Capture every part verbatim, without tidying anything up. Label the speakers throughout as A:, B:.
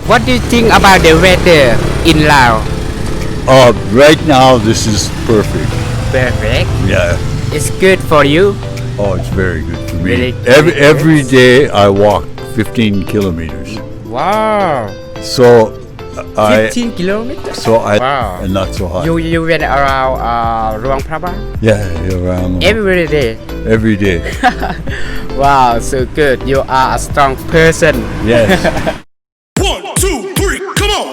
A: What do you think about the weather in Laos?
B: Uh, right now, this is perfect.
A: Perfect.
B: Yeah.
A: It's good for you.
B: Oh, it's very good for me.
A: Really
B: every
A: good.
B: every day I walk fifteen kilometers.
A: Wow.
B: So I
A: fifteen kilometers.
B: so I
A: Wow.
B: and not so hot.
A: You you went around uh, Luang Prabang
B: yeah, around
A: every day.
B: every day.
A: Wow, so good. You are a strong person.
B: Yes.
C: One, two, three, come on!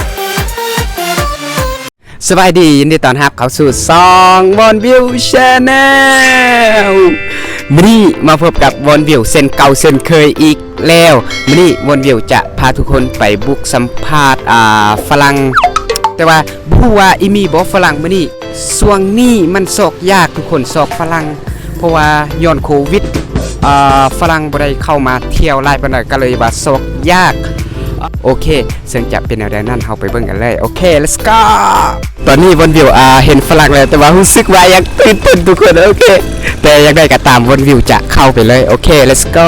A: สบายดียินดีต้อนรับเข้าสู่ซองวอนวิวชาแนลมื้อนี้มาพบกับวอนวิวเส้นเก่าเส้นเคยอีกแล้วมื้อนี้วอนวิวจะพาทุกคนไปบุกสัมภาษณ์อ่าฝรั่งแต่ว่าบ่ฮู้ว่าอีมีบ่ฝรั่งมื้อนี้ช่วงนี้มันซอกยากทุกคนซอกฝรั่งเพราะว่าย้อนโควิดอ่าฝรั่งบ่ได้เข้ามาเที่ยวหลายปานใดก็เลยว่าซอกยากโอเคซึ่งจะเป็นแนวใดนั้นเราไปเบิ่งกันเลยโอเค let's go ตอนนี้วนวิวอ่าเห็นฝรั่งแล้วแต่ว่ารู้สึกว่ายังตื่นเต้นทุกคนโอเคแต่ยังไงก็ตามวนวิวจะเข้าไปเลยโอเค let's go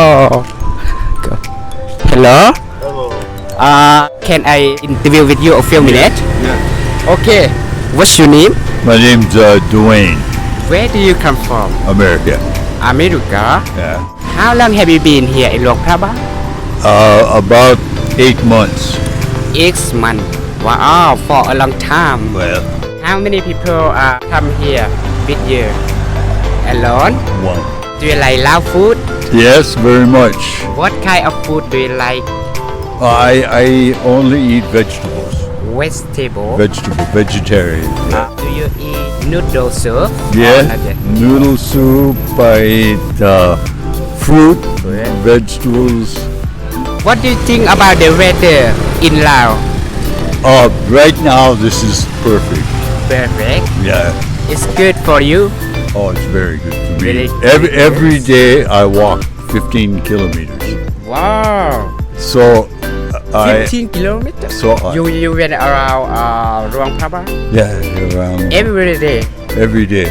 A: go hello
B: Hello.
A: uh can I interview with you a few minutes
B: Yeah.
A: okay what's your name
B: My name's uh, Dwayne,
A: where do you come from
B: America.
A: America
B: Yeah.
A: how long have you been here in Luang Prabang
B: Uh, about eight months.
A: six months wow for a long time
B: Well,
A: How many people uh, come here with you? Alone?
B: one.
A: Do you like Lao food?
B: Yes, very much.
A: What kind of food do you like?
B: I I only eat vegetables.
A: Vegetable?
B: Vegetable, vegetarian.
A: Uh, do you eat noodle soup?
B: Yeah,
A: Or not yet?
B: noodle soup. I eat uh, fruit,
A: Fruit.
B: vegetables.
A: What do you think about the weather in Laos?
B: Uh, right now, this is perfect.
A: Perfect.
B: Yeah.
A: It's good for you.
B: Oh, it's very good for me.
A: Really
B: Every
A: good.
B: every day I walk fifteen kilometers.
A: Wow.
B: So uh, I
A: fifteen kilometers?
B: so I,
A: You you went around uh, Luang Prabang
B: yeah around
A: every day.
B: every day.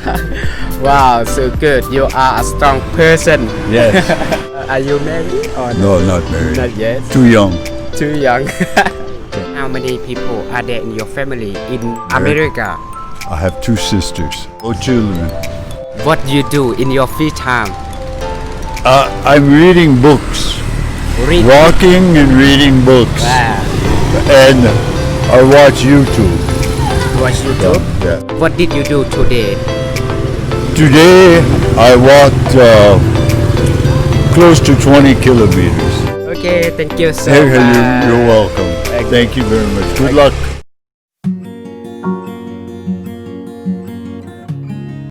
A: Wow, so good. You are a strong person.
B: Yes.
A: Are you married or
B: No, not married.
A: Not yet.
B: Too young.
A: Too young. How many people are there in your family in America?
B: I have two sisters. No children.
A: What do you do in your free time?
B: Uh, I'm reading books.
A: Read.
B: Walking and reading books.
A: Wow.
B: And I watch YouTube.
A: Watch YouTube.
B: Yeah.
A: What did you do today?
B: Today I walked uh, close to twenty kilometers.
A: Okay, thank you so
B: Hey,
A: much.
B: you- you're welcome. Thank you very much. Good luck.